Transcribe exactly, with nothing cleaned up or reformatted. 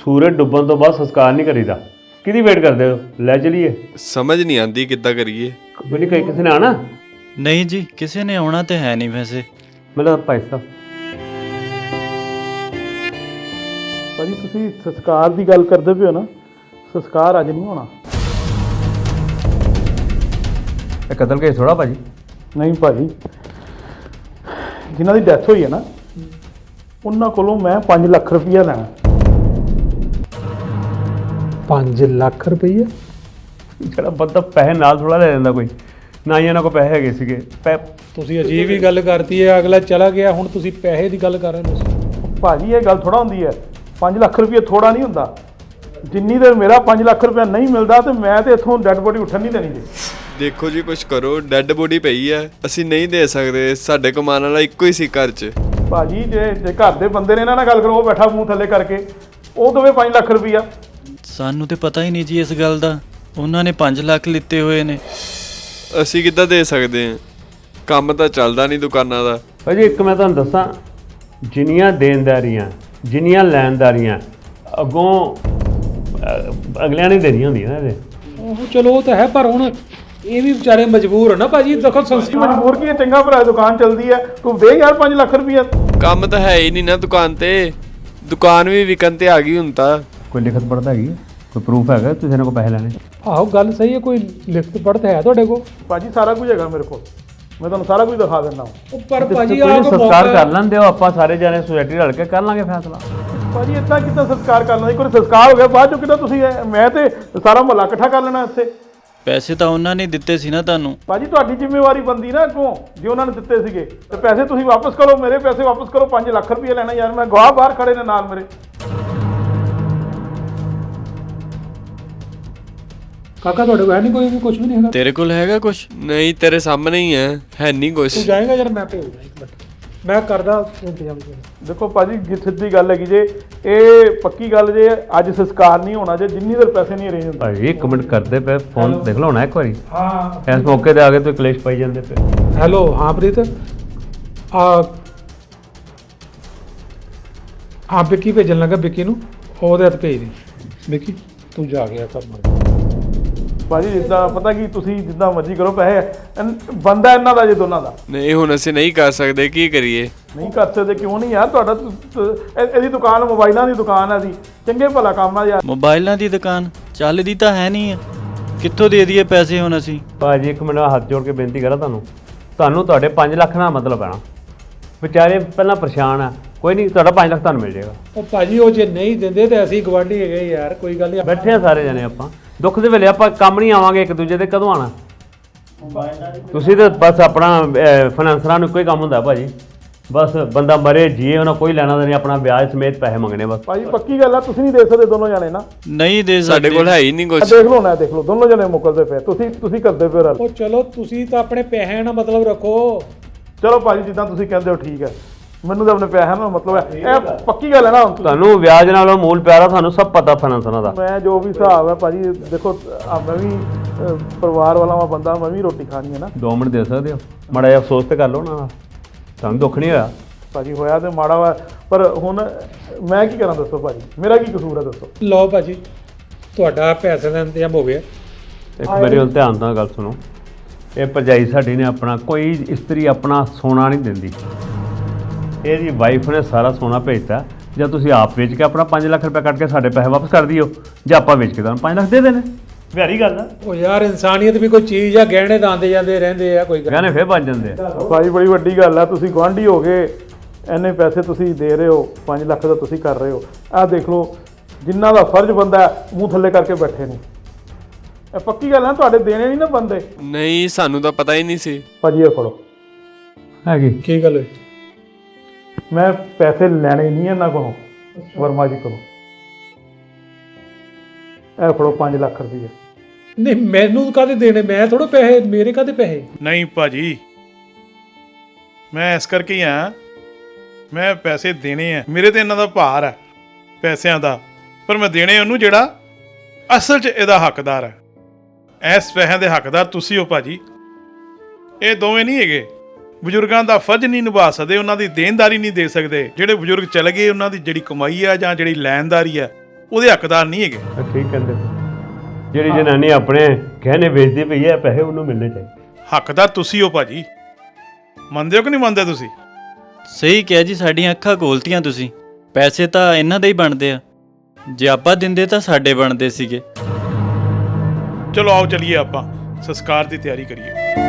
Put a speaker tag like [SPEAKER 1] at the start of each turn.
[SPEAKER 1] सूरज डुब्बन तो बाद संस्कार नहीं करीदा। किहदी वेट करदे हो? लै चलीए।
[SPEAKER 2] समझ नहीं आती किद्दां करिए।
[SPEAKER 1] कोई नहीं, कहीं किसी ने आना?
[SPEAKER 3] नहीं जी, किसी ने आना तो है नहीं वैसे।
[SPEAKER 1] मतलब भाई साहब
[SPEAKER 4] ਭਾਜੀ ਤੁਸੀਂ ਸੰਸਕਾਰ ਦੀ ਗੱਲ ਕਰਦੇ ਪਏ ਹੋ ਨਾ, ਸੰਸਕਾਰ ਅੱਜ ਨਹੀਂ ਹੋਣਾ।
[SPEAKER 1] ਇਹ ਕਤਲ ਕੇਸ ਥੋੜਾ ਭਾਜੀ।
[SPEAKER 4] ਨਹੀਂ ਭਾਜੀ, ਜਿਨ੍ਹਾਂ ਦੀ ਡੈਥ ਹੋਈ ਹੈ ਨਾ ਉਹਨਾਂ ਕੋਲੋਂ ਮੈਂ ਪੰਜ ਲੱਖ ਰੁਪਈਆ ਲੈਣਾ। ਪੰਜ ਲੱਖ ਰੁਪਈਆ?
[SPEAKER 1] ਜਿਹੜਾ ਬੰਦਾ ਪੈਸੇ ਨਾਲ ਥੋੜਾ ਲੈ ਜਾਂਦਾ ਕੋਈ, ਨਾ ਹੀ ਇਹਨਾਂ ਕੋਲ ਪੈਸੇ ਹੈਗੇ ਸੀਗੇ। ਪੈ
[SPEAKER 5] ਤੁਸੀਂ ਅਜੀਬ ਹੀ ਗੱਲ ਕਰਤੀ ਹੈ, ਅਗਲਾ ਚਲਾ ਗਿਆ, ਹੁਣ ਤੁਸੀਂ ਪੈਸੇ ਦੀ ਗੱਲ ਕਰ ਰਹੇ ਹੋ ਤੁਸੀਂ।
[SPEAKER 4] ਭਾਜੀ ਇਹ ਗੱਲ ਥੋੜਾ ਹੁੰਦੀ ਹੈ, ਪੰਜ ਲੱਖ ਰੁਪਈਆ ਥੋੜਾ ਨਹੀਂ ਹੁੰਦਾ। ਜਿੰਨੀ ਦੇਰ ਮੇਰਾ ਪੰਜ ਲੱਖ ਰੁਪਈਆ ਨਹੀਂ ਮਿਲਦਾ ਤੇ ਮੈਂ ਤੇ ਇੱਥੋਂ ਡੈੱਡ ਬੋਡੀ ਉੱਠਣ ਨਹੀਂ ਦੇਣੀ ਜੀ।
[SPEAKER 2] ਦੇਖੋ ਜੀ ਕੁਛ ਕਰੋ, ਡੈੱਡ ਬੋਡੀ ਪਈ ਹੈ, ਅਸੀਂ ਨਹੀਂ ਦੇ ਸਕਦੇ, ਸਾਡੇ ਕਮਾਉਣ ਵਾਲਾ ਇੱਕੋ ਹੀ ਸੀ ਘਰ 'ਚ।
[SPEAKER 4] ਭਾਜੀ ਜੇ ਜੇ ਘਰ ਦੇ ਬੰਦੇ ਨੇ ਇਹਨਾਂ ਨਾਲ ਗੱਲ ਕਰੋ, ਉਹ ਬੈਠਾ ਮੂੰਹ ਥੱਲੇ ਕਰਕੇ, ਉਹ ਦੇਵੇ ਪੰਜ ਲੱਖ ਰੁਪਈਆ।
[SPEAKER 3] ਸਾਨੂੰ ਤੇ ਪਤਾ ਹੀ ਨਹੀਂ ਜੀ ਇਸ ਗੱਲ ਦਾ, ਉਹਨਾਂ ਨੇ ਪੰਜ ਲੱਖ ਲਿੱਤੇ ਹੋਏ ਨੇ।
[SPEAKER 2] ਅਸੀਂ ਕਿੱਦਾਂ ਦੇ ਸਕਦੇ ਹਾਂ? ਕੰਮ ਤਾਂ ਚੱਲਦਾ ਨਹੀਂ ਦੁਕਾਨਾਂ ਦਾ।
[SPEAKER 1] ਭਾਜੀ ਇੱਕ ਮੈਂ ਤੁਹਾਨੂੰ ਦੱਸਾਂ, ਜਿੰਨੀਆਂ ਦੇਣਦਾਰੀਆਂ ਜਿੰਨੀਆਂ ਲੈਣਦਾਰੀਆਂ ਅੱਗੋਂ ਅ, ਅਗਲਿਆਂ ਨੇ ਦੇਣੀਆਂ ਹੁੰਦੀਆਂ ਨਾ ਇਹਦੇ।
[SPEAKER 5] ਉਹ ਚਲੋ ਉਹ ਤਾਂ ਹੈ, ਪਰ ਹੁਣ ਇਹ ਵੀ ਵਿਚਾਰੇ ਮਜਬੂਰ ਹੋ ਨਾ ਭਾਜੀ। ਦੇਖੋ ਸੰਸਥਾ
[SPEAKER 4] ਮਜਬੂਰ ਕੀ ਹੈ, ਚੰਗਾ ਭਰਾ ਦੁਕਾਨ ਚੱਲਦੀ ਹੈ, ਤੂੰ ਦੇ ਯਾਰ ਪੰਜ ਲੱਖ ਰੁਪਈਆ।
[SPEAKER 2] ਕੰਮ ਤਾਂ ਹੈ ਹੀ ਨਹੀਂ ਨਾ ਦੁਕਾਨ ਤੇ, ਦੁਕਾਨ ਵੀ ਵਿਕਣ ਤੇ ਆ ਗਈ ਹੁਣ ਤਾਂ।
[SPEAKER 1] ਕੋਈ ਲਿਖਤ ਪੜ੍ਹਤ ਹੈਗੀ ਹੈ? ਕੋਈ ਪ੍ਰੂਫ ਹੈਗਾ ਤੁਸੀਂ ਇਹਨਾਂ ਕੋਲ ਪੈਸੇ ਲੈਣੇ?
[SPEAKER 5] ਆਹੋ ਗੱਲ ਸਹੀ ਹੈ, ਕੋਈ ਲਿਖਤ ਪੜ੍ਹਤ ਹੈ ਤੁਹਾਡੇ ਕੋਲ?
[SPEAKER 4] ਭਾਜੀ ਸਾਰਾ ਕੁਝ ਹੈਗਾ ਮੇਰੇ ਕੋਲ, ਮੈਂ ਤੁਹਾਨੂੰ ਸਾਰਾ ਕੁਝ ਦਿਖਾ ਦਿੰਦਾ ਹਾਂ।
[SPEAKER 5] ਪਰ ਭਾਜੀ
[SPEAKER 1] ਕੋਈ
[SPEAKER 5] ਆਹ
[SPEAKER 1] ਨੀ, ਸੰਸਕਾਰ ਕਰ ਲੈਂਦੇ ਹੋ, ਆਪਾਂ ਸਾਰੇ ਜਾਣੇ ਸੁਸਾਇਟੀ ਰਲ ਕੇ ਕਰ ਲਾਂਗੇ ਫੈਸਲਾ।
[SPEAKER 4] ਭਾਜੀ ਇੱਦਾਂ ਕਿੱਦਾਂ ਸੰਸਕਾਰ ਕਰਨਾ? ਇੱਕ ਵਾਰ ਸੰਸਕਾਰ ਹੋ ਗਿਆ, ਬਾਅਦ ਚੋਂ ਕਿੱਦਾਂ ਤੁਸੀਂ ਇਹ- ਮੈਂ ਤੇ ਸਾਰਾ ਮਹੱਲਾ ਇਕੱਠਾ ਕਰ ਲੈਣਾ ਇੱਥੇ।
[SPEAKER 3] ਪੈਸੇ ਤਾਂ ਉਹਨਾਂ ਨੇ ਦਿੱਤੇ ਸੀ ਨਾ ਤੁਹਾਨੂੰ।
[SPEAKER 4] ਭਾਜੀ ਤੁਹਾਡੀ ਜ਼ਿੰਮੇਵਾਰੀ ਬੰਦੀ ਨਾ ਅੱਗੋਂ, ਜੇ ਉਹਨਾਂ ਨੇ ਦਿੱਤੇ ਸੀਗੇ ਤੇ ਪੈਸੇ ਤੁਸੀਂ ਵਾਪਸ ਕਰੋ, ਮੇਰੇ ਪੈਸੇ ਵਾਪਸ ਕਰੋ। ਪੰਜ ਲੱਖ ਰੁਪਏ ਲੈਣਾ ਯਾਰ, ਮੈਂ ਗਵਾਹ ਬਾਹਰ ਖੜੇ ਨੇ ਨਾਲ ਮੇਰੇ।
[SPEAKER 5] ਕਾਕਾ ਤੁਹਾਡੇ ਕੋਲ ਹੈ ਨਹੀਂ ਕੋਈ ਵੀ, ਕੁਝ ਵੀ ਨਹੀਂ ਹੈਗਾ?
[SPEAKER 3] ਤੇਰੇ ਕੋਲ ਹੈਗਾ ਕੁਛ?
[SPEAKER 2] ਨਹੀਂ ਤੇਰੇ ਸਾਹਮਣੇ ਹੀ ਹੈ, ਹੈ ਨਹੀਂ ਕੁਛ।
[SPEAKER 5] ਤੂੰ ਜਾਏਗਾ ਯਾਰ, ਮੈਂ ਭੇਜਦਾ ਇੱਕ ਮਿੰਟ, ਮੈਂ ਕਰਦਾ ਇੰਤਜ਼ਾਮ।
[SPEAKER 4] ਦੇਖੋ ਭਾਜੀ ਜੀ ਸਿੱਧੀ ਗੱਲ ਹੈਗੀ ਜੇ, ਇਹ ਪੱਕੀ ਗੱਲ ਜੇ, ਅੱਜ ਸੰਸਕਾਰ ਨਹੀਂ ਹੋਣਾ ਜੇ ਜਿੰਨੀ ਦੇਰ ਪੈਸੇ ਨਹੀਂ ਅਰੇਂਜ ਹੁੰਦੇ।
[SPEAKER 1] ਭਾਜੀ ਇੱਕ ਮਿੰਟ ਕਰਦੇ ਪਏ, ਫੋਨ ਦੇਖ ਲਓ ਨਾ ਇੱਕ ਵਾਰੀ।
[SPEAKER 5] ਹਾਂ
[SPEAKER 1] ਇਸ ਮੌਕੇ ਤੇ ਆ ਕੇ ਤੁਸੀਂ ਕਲੇਸ਼ ਪਾਈ ਜਾਂਦੇ ਪਏ।
[SPEAKER 5] ਹੈਲੋ, ਹਾਂ ਪ੍ਰੀਤ, ਆ ਆ ਵਿੱਕੀ ਭੇਜਣ ਲੱਗਾ, ਵਿੱਕੀ ਨੂੰ ਉਹਦੇ ਹੱਥ ਭੇਜ ਦੇ। ਵਿੱਕੀ ਤੂੰ ਜਾ ਗਿਆ ਕੰਮ।
[SPEAKER 4] ਭਾਜੀ ਜਿੱਦਾਂ ਪਤਾ ਕੀ, ਤੁਸੀਂ ਜਿੱਦਾਂ ਮਰਜ਼ੀ ਕਰੋ, ਪੈਸੇ ਇਨ- ਬੰਦਾ ਇਹਨਾਂ ਦਾ ਜੇ ਦੋਨਾਂ ਦਾ।
[SPEAKER 2] ਨਹੀਂ ਹੁਣ ਅਸੀਂ ਨਹੀਂ ਕਰ ਸਕਦੇ, ਕੀ ਕਰੀਏ?
[SPEAKER 4] ਨਹੀਂ ਕਰ ਸਕਦੇ ਕਿਉਂ ਨਹੀਂ ਯਾਰ? ਤੁਹਾਡਾ ਤੁ- ਤੁ- ਇਹ- ਇਹਦੀ ਦੁਕਾਨ ਮੋਬਾਈਲਾਂ ਦੀ ਦੁਕਾਨ ਹੈ, ਦੀ ਚੰਗੇ ਭਲਾ ਕੰਮ ਆ ਯਾਰ।
[SPEAKER 3] ਮੋਬਾਈਲਾਂ ਦੀ ਦੁਕਾਨ ਚੱਲਦੀ ਤਾਂ ਹੈ ਨਹੀਂ ਆ, ਕਿੱਥੋਂ ਦੇ ਦਈਏ ਪੈਸੇ ਹੁਣ ਅਸੀਂ?
[SPEAKER 1] ਭਾਜੀ ਇੱਕ ਮਿੰਟ ਹੱਥ ਜੋੜ ਕੇ ਬੇਨਤੀ ਕਰਾਂ ਤੁਹਾਨੂੰ, ਤੁਹਾਨੂੰ ਤੁਹਾਡੇ ਪੰਜ ਲੱਖ ਨਾਲ ਮਤਲਬ ਪੈਣਾ। ਵਿਚਾਰੇ ਪਹਿਲਾਂ ਪਰੇਸ਼ਾਨ ਆ, ਕੋਈ ਨਹੀਂ ਤੁਹਾਡਾ ਪੰਜ ਲੱਖ ਤੁਹਾਨੂੰ ਮਿਲ ਜਾਏਗਾ।
[SPEAKER 5] ਉਹ ਭਾਜੀ ਉਹ ਜੇ ਨਹੀਂ ਦਿੰਦੇ ਤੇ ਅਸੀਂ ਗਵਾਂਢੀ ਹੈਗੇ ਯਾਰ, ਕੋਈ ਗੱਲ ਨਹੀਂ।
[SPEAKER 1] ਬੈਠੇ ਆ ਸਾਰੇ ਜਣੇ ਆਪਾਂ, ਦੁੱਖ ਦੇ ਵੇਲੇ ਆਪਾਂ ਕੰਮ ਨਹੀਂ ਆਵਾਂਗੇ ਇੱਕ ਦੂਜੇ ਦੇ, ਕਦੋਂ ਆਣਾ? ਤੁਸੀਂ ਤਾਂ ਬਸ ਆਪਣਾ ਫਾਈਨੈਂਸਰਾਂ ਨੂੰ ਕੋਈ ਕੰਮ ਹੁੰਦਾ ਭਾਜੀ, ਬਸ ਬੰਦਾ ਮਰੇ ਜੀਏ, ਉਹਨਾਂ ਕੋਈ ਲੈਣਾ ਨਹੀਂ, ਆਪਣਾ ਵਿਆਜ ਸਮੇਤ ਪੈਸੇ ਮੰਗਣੇ ਬਸ।
[SPEAKER 4] ਭਾਜੀ ਪੱਕੀ ਗੱਲ ਆ, ਤੁਸੀਂ ਨਹੀਂ ਦੇ ਸਕਦੇ ਦੋਨੋਂ ਜਾਣੇ ਨਾ।
[SPEAKER 3] ਨਹੀਂ ਦੇ
[SPEAKER 2] ਸਾਡੇ
[SPEAKER 3] ਸਕਦੇ।
[SPEAKER 2] ਕੋਲ ਹੈ ਹੀ ਨਹੀਂ
[SPEAKER 4] ਆਹ
[SPEAKER 2] ਕੁਛ।
[SPEAKER 4] ਦੇਖ ਲਓ ਨਾ, ਦੇਖ ਲਓ ਦੋਨੋਂ ਜਣੇ ਮੁੱਕਰਦੇ ਪਏ, ਤੁਸੀਂ ਤੁਸੀਂ ਕਰਦੇ ਪਏ ਰਲ।
[SPEAKER 5] ਉਹ ਚਲੋ ਤੁਸੀਂ ਤਾਂ ਆਪਣੇ ਪੈਸਿਆਂ ਨਾਲ ਮਤਲਬ ਰੱਖੋ।
[SPEAKER 4] ਚਲੋ ਭਾਜੀ ਜਿੱਦਾਂ ਤੁਸੀਂ ਕਹਿੰਦੇ ਹੋ ਠੀਕ ਹੈ, ਮੈਨੂੰ ਤਾਂ ਆਪਣੇ ਪੈਸਿਆਂ ਨਾਲ ਮਤਲਬ ਹੈ, ਇਹ ਪੱਕੀ ਗੱਲ ਹੈ ਨਾ। ਹੁਣ
[SPEAKER 1] ਤੁਹਾਨੂੰ ਵਿਆਜ ਨਾਲੋਂ ਮੂਲ ਪਿਆਰਾ, ਤੁਹਾਨੂੰ ਸਭ ਪਤਾ ਫਾਈਨੈਂਸਰਾਂ ਦਾ।
[SPEAKER 4] ਮੈਂ ਜੋ ਵੀ ਹਿਸਾਬ ਹੈ ਭਾਜੀ, ਦੇਖੋ ਆ ਮੈਂ ਵੀ ਅਹ, ਪਰਿਵਾਰ ਵਾਲਾ ਵਾਂ ਬੰਦਾ, ਮੈਂ ਵੀ ਰੋਟੀ ਖਾਣੀ ਹੈ ਨਾ।
[SPEAKER 1] ਦੋ ਮਿੰਟ ਦੇ ਸਕਦੇ ਹੋ? ਮਾੜਾ ਜਿਹਾ ਅਫਸੋਸ ਤੇ ਕਰ ਲਓ ਨਾ, ਤੁਹਾਨੂੰ ਦੁੱਖ ਨਹੀਂ ਹੋਇਆ?
[SPEAKER 4] ਭਾਜੀ ਹੋਇਆ ਤੇ ਮਾੜਾ ਵਾ, ਪਰ ਹੁਣ ਮੈਂ ਕੀ ਕਰਾਂ ਦੱਸੋ ਭਾਜੀ, ਮੇਰਾ ਕੀ ਕਸੂਰ ਹੈ ਦੱਸੋ?
[SPEAKER 5] ਲਓ ਭਾਜੀ, ਤੁਹਾਡਾ ਪੈਸੇ ਦਾ ਇੰਤਜ਼ਾਮ ਹੋ ਗਿਆ।
[SPEAKER 1] ਇੱਕ ਮੇਰੀ ਵੱਲ ਧਿਆਨ ਨਾਲ ਗੱਲ ਸੁਣੋ, ਇਹ ਭਰਜਾਈ ਸਾਡੀ ਨੇ ਆਪਣਾ ਕੋਈ ਇਸਤਰੀ ਆਪਣਾ ਸੋਨਾ ਨਹੀਂ ਦਿੰਦੀ, ਇਹਦੀ ਵਾਈਫ ਨੇ ਸਾਰਾ ਸੋਨਾ ਭੇਜਤਾ। ਜਾਂ ਤੁਸੀਂ ਆਪ ਵੇਚ ਕੇ ਆਪਣਾ ਪੰਜ ਲੱਖ ਰੁਪਏ ਕੱਢ ਕੇ ਸਾਡੇ ਪੈਸੇ ਵਾਪਸ ਕਰ ਦਿਓ, ਜਾਂ ਆਪਾਂ ਵੇਚ ਕੇ ਤੁਹਾਨੂੰ ਪੰਜ ਲੱਖ ਦੇ ਦੇਣੇ। ਵਿਹਾਰੀ ਗੱਲ ਆ,
[SPEAKER 5] ਉਹ ਯਾਰ ਇਨਸਾਨੀਅਤ ਵੀ ਕੋਈ ਚੀਜ਼ ਆ, ਗਹਿਣੇ ਤਾਂ ਆਉਂਦੇ ਜਾਂਦੇ ਰਹਿੰਦੇ ਆ, ਕੋਈ ਗੱਲ
[SPEAKER 1] ਗਾਣੇ ਫੇਰ ਬਣ ਜਾਂਦੇ ਆ।
[SPEAKER 4] ਭਾਜੀ ਬੜੀ ਵੱਡੀ ਗੱਲ ਆ, ਤੁਸੀਂ ਗੁਆਂਢੀ ਹੋ ਗਏ, ਇੰਨੇ ਪੈਸੇ ਤੁਸੀਂ ਦੇ ਰਹੇ ਹੋ, ਪੰਜ ਲੱਖ ਦਾ ਤੁਸੀਂ ਕਰ ਰਹੇ ਹੋ। ਆਹ ਦੇਖ ਲਓ ਜਿਨ੍ਹਾਂ ਦਾ ਫਰਜ਼ ਬੰਦਾ ਮੂੰਹ ਥੱਲੇ ਕਰਕੇ ਬੈਠੇ ਨੇ। ਇਹ ਪੱਕੀ ਗੱਲ ਆ, ਤੁਹਾਡੇ ਦੇਣੇ ਨਹੀਂ ਨਾ ਬੰਦੇ।
[SPEAKER 2] ਨਹੀਂ ਸਾਨੂੰ ਤਾਂ ਪਤਾ ਹੀ ਨਹੀਂ ਸੀ।
[SPEAKER 4] ਭਾਜੀ ਇਹ ਫੜੋ,
[SPEAKER 1] ਹੈਗੀ
[SPEAKER 5] ਕੀ ਗੱਲ ਹੋਈ?
[SPEAKER 4] ਮੈਂ ਪੈਸੇ ਲੈਣੇ ਨਹੀਂ ਇਹਨਾਂ ਕੋਲੋਂ, ਵਰਮਾ ਜੀ ਕੋਲੋਂ। ਇਹ ਫੜੋ ਪੰਜ ਲੱਖ ਰੁਪਏ।
[SPEAKER 5] ਨਹੀਂ ਮੈਨੂੰ ਕਾਹਦੇ ਦੇਣੇ, ਮੈਂ ਥੋੜਾ ਪੈਸੇ, ਮੇਰੇ ਕਾਹਦੇ ਪੈਸੇ?
[SPEAKER 6] ਨਹੀਂ ਭਾਜੀ, ਮੈਂ ਇਸ ਕਰਕੇ ਹੀ ਆ, ਮੈਂ ਪੈਸੇ ਦੇਣੇ ਆ, ਮੇਰੇ ਤੇ ਇਹਨਾਂ ਦਾ ਭਾਰ ਹੈ ਪੈਸਿਆਂ ਦਾ, ਪਰ ਮੈਂ ਦੇਣੇ ਉਹਨੂੰ ਜਿਹੜਾ ਅਸਲ 'ਚ ਇਹਦਾ ਹੱਕਦਾਰ ਹੈ। ਇਸ ਪੈਸਿਆਂ ਦੇ ਹੱਕਦਾਰ ਤੁਸੀਂ ਹੋ ਭਾਜੀ, ਇਹ ਦੋਵੇਂ ਨਹੀਂ ਹੈਗੇ। ਬਜ਼ੁਰਗਾਂ ਦਾ ਫਰਜ਼ ਨਹੀਂ ਨਿਭਾ ਸਕਦੇ, ਉਹਨਾਂ ਦੀ ਦੇਣਦਾਰੀ ਨਹੀਂ ਦੇ ਸਕਦੇ। ਜਿਹੜੇ ਬਜ਼ੁਰਗ ਚਲੇ ਗਏ, ਉਹਨਾਂ ਦੀ ਜਿਹੜੀ ਕਮਾਈ ਆ ਜਾਂ ਜਿਹੜੀ ਲੈਣਦਾਰੀ ਆ, ਉਹਦੇ ਹੱਕਦਾਰ ਨਹੀਂ ਹੈਗੇ।
[SPEAKER 1] ਤਾਂ ਠੀਕ ਕਹਿੰਦੇ ਤੁਸੀਂ। ਜਿਹੜੀ ਜਨਾਨੀ ਆਪਣੇ ਗਹਿਣੇ ਵੇਚਦੀ ਪਈ ਹੈ ਪੈਸੇ ਉਹਨੂੰ ਮਿਲਣੇ ਚਾਹੀਦੇ।
[SPEAKER 6] ਹੱਕਦਾਰ ਤੁਸੀਂ ਹੋ ਭਾਜੀ, ਮੰਨਦੇ ਹੋ ਕਿ ਨਹੀਂ ਮੰਨਦੇ ਤੁਸੀਂ?
[SPEAKER 3] ਸਹੀ ਕਿਹਾ ਜੀ, ਸਾਡੀਆਂ ਅੱਖਾਂ ਖੋਲਤੀਆਂ ਤੁਸੀਂ। ਪੈਸੇ ਤਾਂ ਇਹਨਾਂ ਦੇ ਹੀ ਬਣਦੇ ਆ, ਜੇ ਆਪਾਂ ਦਿੰਦੇ ਤਾਂ ਸਾਡੇ ਬਣਦੇ ਸੀਗੇ।
[SPEAKER 6] ਚਲੋ ਆਓ ਚਲੀਏ ਆਪਾਂ ਸੰਸਕਾਰ ਦੀ ਤਿਆਰੀ ਕਰੀਏ।